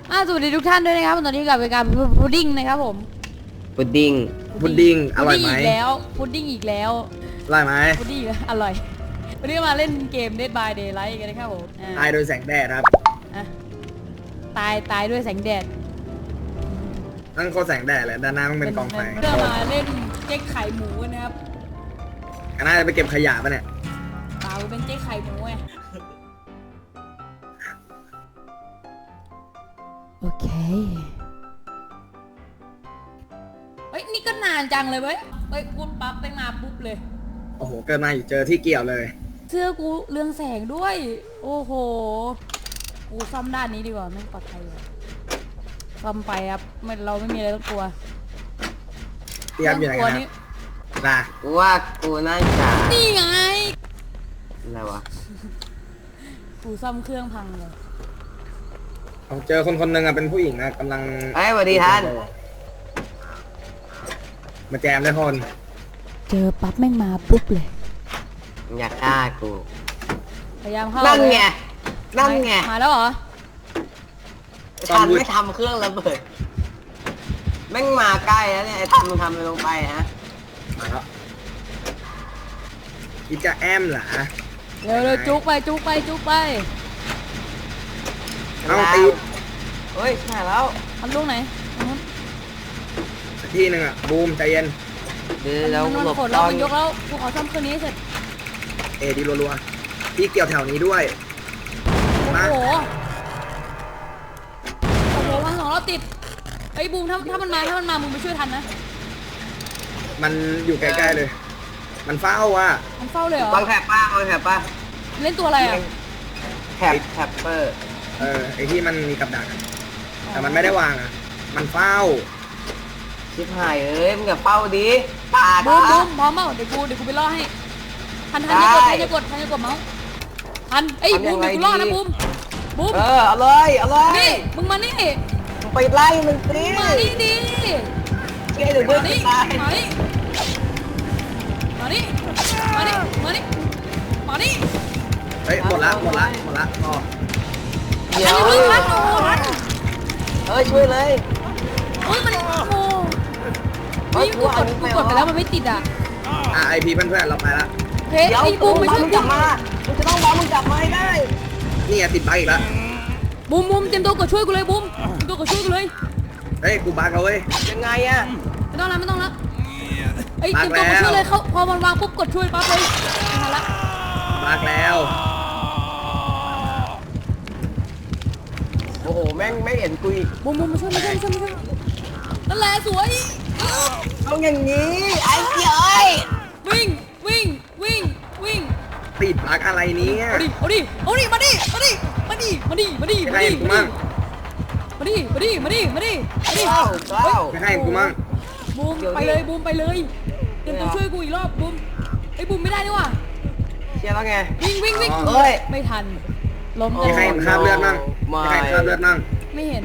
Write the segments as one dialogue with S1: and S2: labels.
S1: สวัสดีทุกท่านด้วยนะครับตอนนี้กับรายการพุดดิ้งนะครับผม
S2: พุดดิ้งอร่อยไหม
S1: พุดดิ้งอีกแล้ว
S2: อร่อยไหม
S1: พุดดิ้งอร่อยวันนี้มาเล่นเกม Dead by Daylight กันนะครับผม
S2: ตายโดยแสงแดดครับ
S1: ตายด้วยแสงแดด
S2: นั่นโคตรแสงแดดเลยด้านหน้ามันเป็นกองไฟ
S1: เพื่อมาเล่นเจ๊กไข่หมูนะครับ
S2: น่าจะไปเก็บขยะป่ะเนี่ย
S1: เปล่าเป็นเจ๊กไข่หมูไงโอเคเฮ้ยนี่ก็นานจังเลยเว้ยพูดปั๊บไปมาปุ๊บเลย
S2: โอ้โหเกิดมาอยู่เจอที่เกี่ยวเลย
S1: เสื้อกูเรืองแสงด้วยโอ้โหกูซ่อมด้านนี้ดีกว่าไม่ปลอดภัยเลยซ่อมไปครับเราไม่มีอะไรต้องกลัว
S2: เตรียมอยู่ไหนกันนะ
S3: ว่ากูน่าจะ
S1: นี่ไง
S3: อะไรวะ
S1: กูซ่อมเครื่องพังเลย
S2: ผมเจอคนหนึ่งเป็นผู้หญิงนะกำลัง
S3: สวัสดีท่าน
S2: มาแจมได้คน
S1: เจอปั๊บแม่งมาปุ๊บเลย
S3: อยากฆ่ากู
S1: พยายามเข้า
S3: นั่นไง
S1: มาแล้วเหรอ
S3: ท่านไม่ทำเครื่องระเบิดแม่งมาใกล้แล้วเนี่ยไอ้ท่านมึงทำอะไรลงไปฮะ
S2: มาแล้วคิดจะแอมเหรอ
S1: เร็วจุกไป
S2: เอาตี
S3: เฮ้ยใช่แล้ว
S1: ทำลูกไหน
S2: ที่หนึ่งบูมใจเย็น
S3: เดี๋ยวเรา
S1: หลบเรายกแล้วกูขอซ่อมเครื่องนี้เสร็จ
S2: ดีรัวๆพี่เกี่ยวแถวนี้ด้วย
S1: โอ้โหพัง2 รอบติดไอ้บูมถ้ามันมามึงไปช่วยทันนะ
S2: มันอยู่ใกล้ๆเลยมันเฝ้าว่ะ
S1: มันเฝ้าเลยเหรอ
S3: วางแถบป้า
S1: เล่นตัวอะไรอ่ะ
S3: แถบเปอร์
S2: ไอที่มันมีกับดักแต่มันไม่ได้วางมันเฝ้า
S3: ชิบหายมึงอย่าเฝ้าดิปาด
S1: บูมพร้อมเปล่าเดี๋ยวกูไปล่อให้ทันอย่ากดเมาส์ทันไอ้บูมเดี๋ยวกูล่อนะบูม
S3: เอาเลย
S1: นี่มึงมานี่
S3: ไปไล่มันสิ
S1: มานี่ดิ
S3: เดี๋ยวเพื่อนตาย
S1: มานี่
S2: เฮ้ยหมดละพอ
S3: เดี๋ยวช่วยเลย
S1: มันโอ้ยกูกดไปแล้วมันไม่ติด
S2: ไอพีเพื่อนเราไปละ
S1: เฮ้ยไอ้บูมไปช่วย
S3: มึงกลับมามึงจะต้องรอมึงกลับมาได้
S2: นี่ติดบั๊กอีกแล้ว
S1: บูมเตรียมตัวกดช่วยกูเลยบูมเตรียมตัวกดช่วยกูเลย
S2: เฮ้ยกูบั๊กเอาเว้ย
S3: ยังไง
S1: ไม่ต้องละเตรียมตัวกดช่วยเลยเขาพอมันวางปุ๊บกดช่วยปั๊บเลยมาละ
S2: บั๊กแล้ว
S3: โอ้โหแม่งไม่เห็นกูอีก
S1: บูมมาช่วยนั่นแหละสวย
S3: เอาอย่างนี้ไอ้เจ้ย
S1: วิ่ง
S2: ติดบั๊กอะไรเนี่ย
S1: เอาดิมาดิให้กูมั่งบูมไปเลยเตรียมตัวช่วยกูอีกรอบบูมไอ้บูมไม่ได้ด้วยว่ะ
S3: เชียร์แล้วไง
S1: วิ่งไม่ทันล้ม
S2: มีใครคราบเลือดมั่ง
S1: ไม่เห็น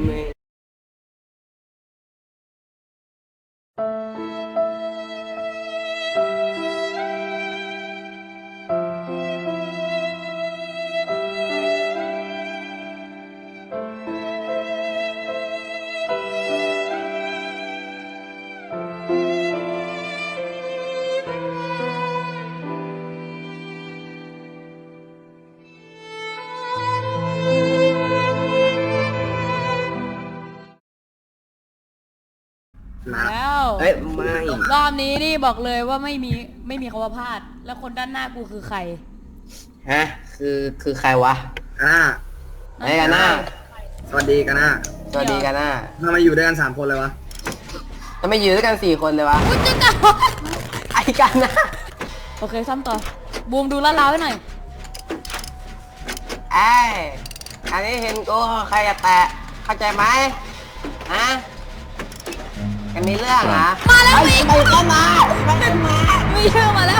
S1: แล้ว
S3: ไม่
S1: รอบนี้นี่บอกเลยว่าไม่มีคำว่าพลาดแล้วคนด้านหน้ากูคือใคร
S3: คือใครวะไอ้กันหน้า
S2: สวัสดีกันหน้า
S3: ท
S2: ำไมอยู่ด้วยกัน3 คนเลยวะ
S3: ทำไมอยู่ด้วยกัน4 คนเลยวะไอ้กันนะ
S1: โอเคซ้ำต่อบูมดูลาดเราให้หน่อย
S3: อันนี้เห็นกูใครจะแตะเข้าใจไหมกันมีเรื่อง
S1: มาแล้ว
S3: ไปเข้ามา
S1: ไม่เชื่อมาแล้ว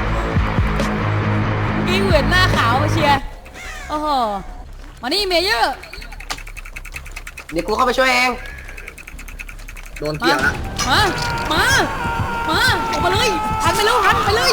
S1: กิ้งเหวียนหน้าขาวมาเชียร์โอ้โหมานี่เมเยอร์
S3: เดี๋ยวกูเข้าไปช่วยเอง
S2: โดนเกี่ยวละ
S1: มาออกมาเลยหันไปเลย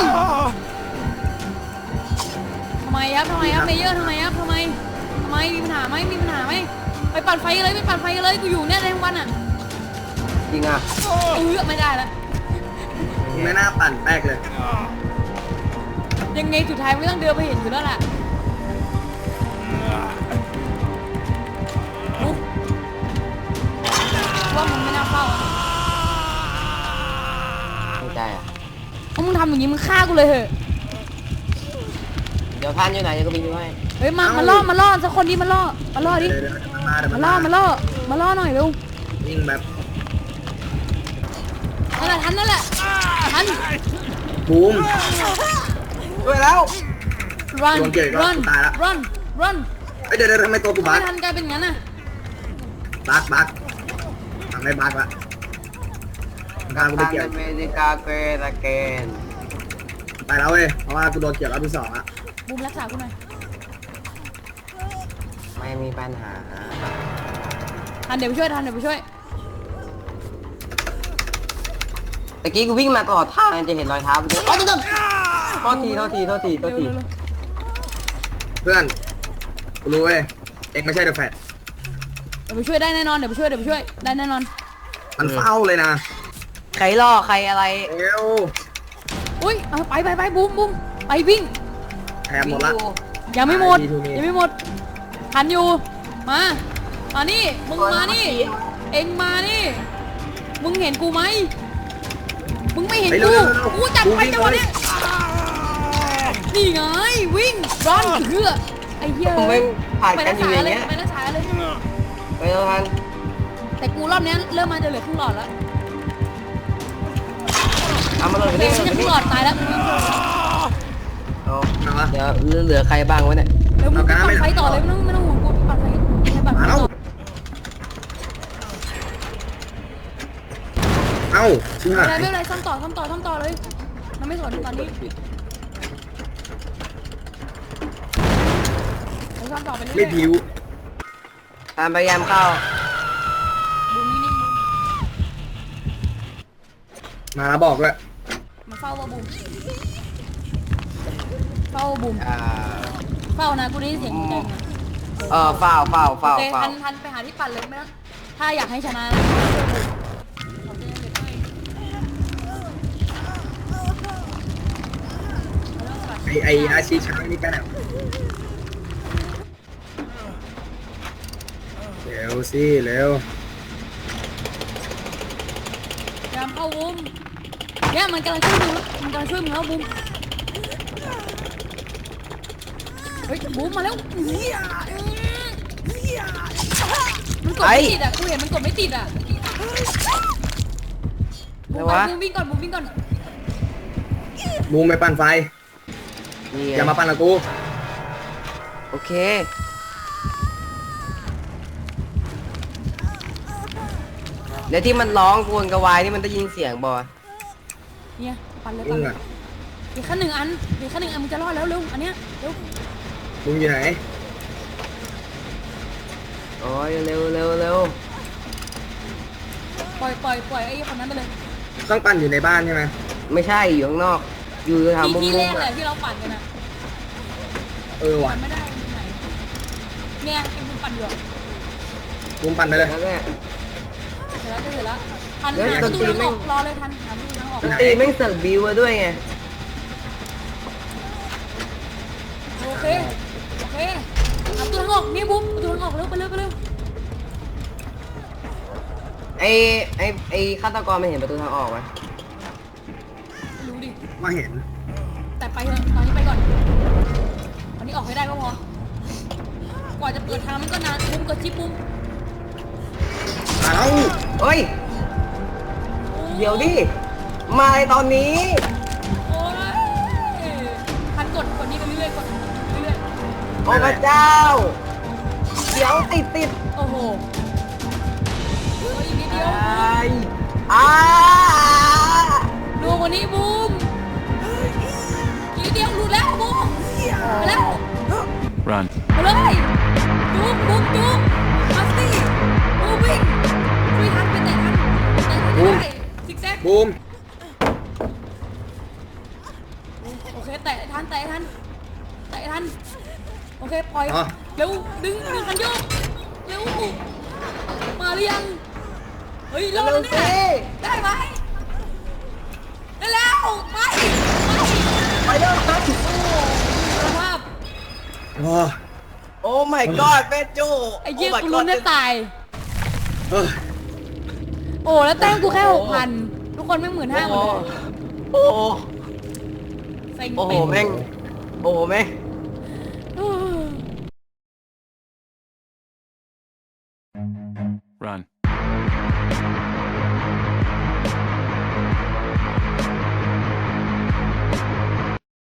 S1: ทำไมครับเมเยอร์ทำไมมีปัญหาไหมไปปั่นไฟกันเลยไปปั่นไฟกันเลยกูอยู่เนี่ยในวันอ่ะ
S3: จริงอ่ะ
S1: ไม่ได้แล้ว
S2: ไม่น่าปั่นแป๊กเลย
S1: ยังไงสุดท้ายไม่ต้องเดินไปเห็นอยู่แล้วแหละว่ามึงไม่น่าเข้าอ่ะ
S3: ไม่ใจอ่ะ
S1: เพราะมึงทำอย่างนี้มึงฆ่ากูเลยเหอะ
S3: เดี๋ยวท่านอยู่ไหนจะก็บินไปให้
S1: เฮ้ยมาล่อสักคนดิมาล่อดิ
S2: เดี๋ยวมาเดี๋ยว
S1: มา
S2: มา
S1: ล่อหน่อยเร็ว
S2: วิ่งแบบ
S1: นั่นแหละทันนั่นแหละทัน
S2: บูม
S3: ด้วยแล้ว
S1: run
S2: โดนเกี่ยวอีกแล้ว
S1: run
S2: ตายละ
S1: run
S2: เอ้ยเดี๋ยวทำไมตัวกูบั
S1: ไม่
S2: ก
S1: ทันกลายเป็นงั้นน่ะ
S2: บักทำได้บักละทางกูไป
S3: ทาง
S2: เกี่ยว
S3: อเมริกาเกรเกน
S2: ไปแล้วเว้ยเพราะว่ากูโดนเกี่ยวรอบที่2อะ
S1: บูมรักษากูหน่อย
S3: ไม่มีปัญหา
S1: ทันเดี๋ยวไปช่วย
S3: ตะกี้กูวิ่งมาตลอดทางจะเห็นรอยเท้าไปด้วยโทษที
S1: เร็ว
S2: เพื่อนกูรู้เว้ยเองไม่ใช่เดอะแฟต
S1: เดี๋ยวไปช่วยได้แน่นอนเดี๋ยวไปช่วยได้แน่นอน
S2: มันเฝ้าเลยนะ
S3: ใครล่อใครอะไร
S2: เร็ว
S1: อุ้ยเอาไปบูมไปวิ่ง
S2: แถมหมดละ
S1: ยังไม่หมด
S2: ดีทูมี
S1: ยังไม่หมดทันอยู่มานี่มึงมานี่เอ็งมานี่มึงเห็นกูไหมมึงไม่เห็นกูจัดไปจังหวะนี้นี่ไงวิ่งร้อนเพื่อไอ้เหี้ย
S3: ผมไม่ผ่านกันอยู่อย่างเงี้ย
S1: ไปรักษาเลย
S3: ไปแล้วทัน
S1: แต่กูรอบนี้เริ่มมาจะเหลือครึ่งหลอดแล้ว
S3: เอามาเลย
S1: โอ
S3: ไป
S1: เค
S3: ดิ
S1: ฉันจะครึ่งหลอดตายแล้ว
S3: เอา
S2: เอาวะ
S3: เดี๋ยวเหลือใครบ้างวะเนี่ย
S1: เดี๋ยวมึงปั่นไฟต่อเลยไม่ต้องห่วงกูปั่นไฟปั่นไฟ
S2: มา
S1: ต่
S2: แล้ว
S1: อ
S2: เอ้าชิบหาย
S1: ไม่เป็นไรซ่อมต่อเลยมันไม่สนตอนนี้ซ่อมต่อไปเรื่อยๆ
S2: ไม่ผิว
S3: ตามพยายามเข้า
S1: บูมนิ่ง
S2: มาแล้วบอกเลย
S1: ๆมาเฝ้าว่าบูมเฝ้าบูม
S3: อ่า
S1: เฝ้านะกูได้ยินเสียงมึงไง
S3: เฝ้า
S1: โอเคทันไปหาที่ปั่นเลยไม่ต้องถ้าอยากให้ชนะนะ
S2: ไออาชีช้างนี่ไปไหนวะเร็วสิเร็ว
S1: พยายามเข้าบูมเนี่ยมันกำลังช่วยมึงแล้วบูมเฮ้ยบูมมาแล้วมันกดไม่ติดอ่ะกูเห็นมันกดไม่ติดอ่ะบูมวิ่งก่อน
S2: บูมไปปั่นไฟ
S3: นี่
S2: อย่ามาปั่นกับกู
S3: โอเค แล้วที่มันร้องกวนกระวายนี่มันได้ยินเสียงบ่
S1: เนี่ยปั่นเลย
S2: มึงอะ
S1: อีกขั้นหนึ่งอันมึงจะรอดแล้วเร็วอันเนี้ยเร็ว
S2: มึงอยู่ไหน
S3: โอ้ยเร็ว
S1: ปล่อยไอ้คนนั้นไปเลย
S2: ต้องปั่นอยู่ในบ้านใช่ไหม
S3: ไม่ใช่อยู่ข้างนอก อยู่แถวมุม
S1: ที่
S3: มุ
S1: แร
S3: ม
S1: กเลยที่เราปั่นกันอ่ะ
S2: ว่ะ
S1: ปั่นไม่ได้ตรงไหนเนี่ยไอ้มึงปั่นอยู่
S2: บูมปั่นไปเลย
S3: นั่นแหละ
S1: เสร็จแล้วทันหาประตูทางออกรอเลยทันหาประตูทางออก
S3: ดนตรีไม่งเสิร์ฟบิวมาด้วยไง
S1: โอเคหาประตูทางออกนี่บุ๊บประตูทางออกเร็วไปเร็ว
S3: ไอฆาตกรไม่เห็นประตูทางออกไหม
S1: รู้ดิ
S2: มาเห็น
S1: แต่ไปเถอะตอนนี้ไปก่อนตอนนี้ออกให้ได้ก็พอ กว่าจะเปิดทางมันก็นานปุ้มกดจิ๊บปุ้ม
S2: มาแล้ว
S3: เฮ้ย เดี๋ยวดิ มาในตอนนี้
S1: โอ้ยทันกดนี้ไปเรื่อยๆกดเรื่อย
S3: โอ้พระเจ้า เดี๋ยวติด
S1: ๆโอ้โหอีกนิดเดียว
S3: อ้า
S1: ดูกว่านี้บูมอีกนิดเดียวหลุดแล้วบูมไปแล้ว
S4: Run.
S1: ไปเลยจุ๊บมาสิบูมวิ่งช่วยทันไปแต่ทันได้ซิกแซก
S2: บูม
S1: โอเคแตะทันโอเคปล่อยเร็วดึงคันโยกเร็วรือยังเฮ้ยรอด
S3: เร็
S1: แล้ว ว
S3: สิ
S1: เนี่ยได้ไหมได้แล้วไป
S3: ไปเร็วครับ
S1: สภาพ
S2: โอ้
S3: โอ้ my god แม่จู
S1: ไอ้เหี้ย
S3: Oh my
S1: กูลุ้น
S3: god
S1: ได้ตาย
S2: เฮ้ย
S1: โอ้แล้วแต้มกูแค่6,000ทุกคนแม่ง15,000หมดเลย
S3: โอ้โห
S1: เซ็ง
S3: โอ้โห
S1: เป็ด
S3: แม่งโอ้โหแม่ง
S1: เออ
S4: Run.